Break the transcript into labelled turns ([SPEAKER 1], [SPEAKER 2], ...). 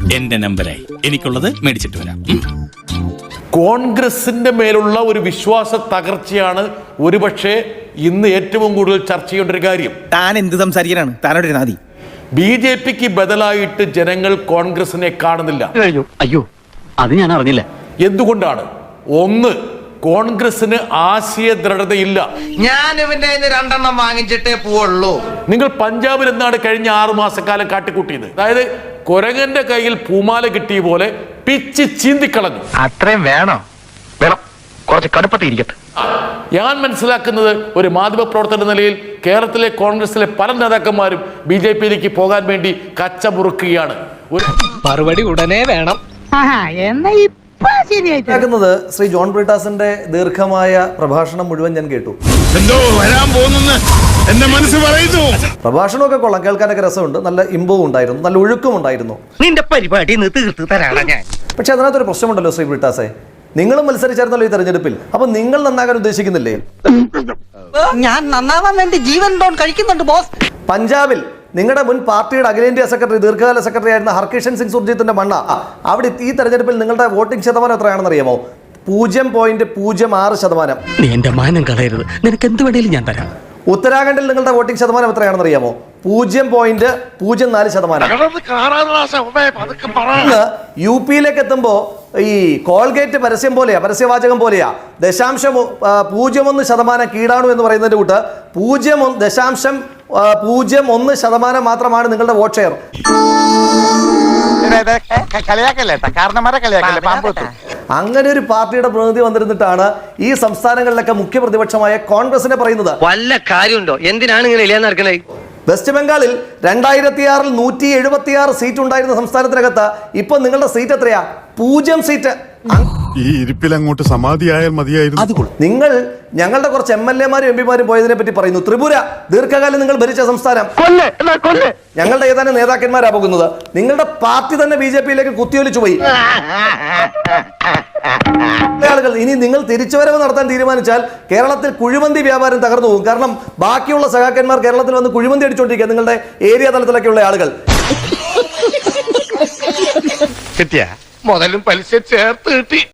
[SPEAKER 1] എന്റെ നമ്പരായി എനിക്കുള്ളത് മേടിച്ചിട്ട് വരാം.
[SPEAKER 2] കോൺഗ്രസിന്റെ മേലുള്ള ഒരു വിശ്വാസ തകർച്ചയാണ് ഒരുപക്ഷെ ഇന്ന് ഏറ്റവും കൂടുതൽ ചർച്ച ചെയ്യേണ്ട ഒരു കാര്യം.
[SPEAKER 3] താൻ എന്ത് സംസാരിക്കാനാണ്? താനോട് നാദി.
[SPEAKER 2] BJPക്ക് ബദലായിട്ട് ജനങ്ങൾ കോൺഗ്രസിനെ കാണുന്നില്ല.
[SPEAKER 4] അയ്യോ, അത് ഞാൻ അറിഞ്ഞില്ല.
[SPEAKER 2] എന്തുകൊണ്ടാണ്? ഒന്ന്, കോൺഗ്രസിന് ആശയ ദൃഢതയില്ല.
[SPEAKER 5] ഞാൻ ഇവന്റെ രണ്ടെണ്ണം വാങ്ങിച്ചിട്ടേ പോവുള്ളൂ.
[SPEAKER 2] നിങ്ങൾ പഞ്ചാബിൽ എന്താണ് കഴിഞ്ഞ 6 മാസക്കാലം കാട്ടിക്കൂട്ടിയത്? അതായത് കുരങ്ങന്റെ കയ്യിൽ പൂമാല കിട്ടിയ പോലെ പിച്ച് ചീന്തിക്കളഞ്ഞു.
[SPEAKER 4] അത്രയും വേണോ? വേണം, കുറച്ച് കടുപ്പത്തിരിക്കട്ടെ.
[SPEAKER 2] ഞാൻ മനസ്സിലാക്കുന്നത്, ഒരു മാധ്യമ പ്രവർത്തന നിലയിൽ കേരളത്തിലെ കോൺഗ്രസിലെ പല നേതാക്കന്മാരും BJPയിലേക്ക് പോകാൻ വേണ്ടി കച്ച മുറുക്കുകയാണ്.
[SPEAKER 6] മറുപടി ഉടനെ വേണം.
[SPEAKER 7] ശ്രീ ജോൺ ബ്രിട്ടാസിന്റെ ദീർഘമായ പ്രഭാഷണം മുഴുവൻ ഞാൻ കേട്ടു.
[SPEAKER 1] എന്തോ വരാൻ പോകുന്നെന്ന് എന്റെ മനസ്സ് പറയുന്നു.
[SPEAKER 7] പ്രഭാഷണമൊക്കെ കൊള്ളാം, കേൾക്കാനൊക്കെ രസമുണ്ട്, നല്ല ഇമ്പവും ഉണ്ടായിരുന്നു, നല്ല ഒഴുക്കും ഉണ്ടായിരുന്നു.
[SPEAKER 5] നിന്റെ പരിപാടി തീർത്ത് തരാണ് ഞാൻ.
[SPEAKER 7] പക്ഷെ അതിനകത്തൊരു പ്രശ്നമുണ്ടല്ലോ ശ്രീ ബ്രിട്ടാസെ, നിങ്ങളും മത്സരിച്ചായിരുന്നല്ലോ ഈ തെരഞ്ഞെടുപ്പിൽ. അപ്പൊ നിങ്ങൾ നന്നാകാൻ ഉദ്ദേശിക്കുന്നില്ലേ?
[SPEAKER 5] ഞാൻ നന്നാവാൻ വേണ്ടി ജീവൻ ഡോൺ കഴിക്കുന്നുണ്ട് ബോസ്.
[SPEAKER 7] പഞ്ചാബിൽ നിങ്ങളുടെ മുൻ പാർട്ടിയുടെ അഖിലേന്ത്യാ സെക്രട്ടറി, ദീർഘകാല സെക്രട്ടറി ആയിരുന്ന ഹർകിഷൻ സിംഗ് സുർജിത്തിന്റെ മണ്ണ, അവിടെ ഈ തെരഞ്ഞെടുപ്പിൽ നിങ്ങളുടെ വോട്ടിംഗ് ശതമാനം എത്രയാണെന്ന് അറിയാമോ? 0.06%.
[SPEAKER 6] നീ എന്റെ മാനം കളയരുത്, നിനക്ക് എന്ത് വേണേലും ഞാൻ തരാം.
[SPEAKER 7] ഉത്തരാഖണ്ഡിൽ നിങ്ങളുടെ വോട്ടിംഗ് ശതമാനം എത്രയാണെന്ന് അറിയാമോ? 0.04%. ഇന്ന് UPയിലേക്ക് എത്തുമ്പോ ഈ കോൾഗേറ്റ് പരസ്യം പോലെയാ, പരസ്യവാചകം പോലെയാ, 0.01% കീടാണു എന്ന് പറയുന്നതിന്റെ കൂട്ട് 0.01% മാത്രമാണ് നിങ്ങളുടെ വോട്ട് ഷെയർ. അങ്ങനെ ഒരു പാർട്ടിയുടെ പ്രതിനിധി വന്നിരുന്നിട്ടാണ് ഈ സംസ്ഥാനങ്ങളിലൊക്കെ മുഖ്യ പ്രതിപക്ഷമായ കോൺഗ്രസിനെ പറയുന്നത്.
[SPEAKER 5] വല്ല കാര്യമുണ്ടോ? എന്തിനാണ് ഇങ്ങനെ ഇല്ലാന്ന് നടക്കണേ?
[SPEAKER 7] വെസ്റ്റ് ബംഗാളിൽ 2006 176 സീറ്റ് ഉണ്ടായിരുന്ന സംസ്ഥാനത്തിനകത്ത് ഇപ്പൊ നിങ്ങളുടെ സീറ്റ് എത്രയാ? 0 സീറ്റ്.
[SPEAKER 8] ഈ ഇരിപ്പിൽ അങ്ങോട്ട് സമാധിയായാൽ മതിയായിരുന്നു.
[SPEAKER 7] നിങ്ങൾ ഞങ്ങളുടെ കുറച്ച് MLA-മാരും MP-മാരും പോയതിനെ പറ്റി പറയുന്നു. ത്രിപുര ദീർഘകാലം നിങ്ങൾ ഭരിച്ച സംസ്ഥാനം. ഞങ്ങളുടെ ഏതാനും നേതാക്കന്മാരാ പോകുന്നത്. നിങ്ങളുടെ പാർട്ടി തന്നെ BJPയിലേക്ക് കുത്തിയൊലിച്ചു പോയി. ആളുകൾ ഇനി നിങ്ങൾ തിരിച്ചുവരവ് നടത്താൻ തീരുമാനിച്ചാൽ കേരളത്തിൽ കുഴിമന്തി വ്യാപാരം തകർന്നു പോകും. കാരണം ബാക്കിയുള്ള സഖാക്കന്മാർ കേരളത്തിൽ വന്ന് കുഴിമന്തി അടിച്ചോണ്ടിരിക്കുക, നിങ്ങളുടെ ഏരിയ തലത്തിലൊക്കെയുള്ള ആളുകൾ.
[SPEAKER 5] കിട്ടിയ മുതലും പലിശ ചേർത്ത് കിട്ടി.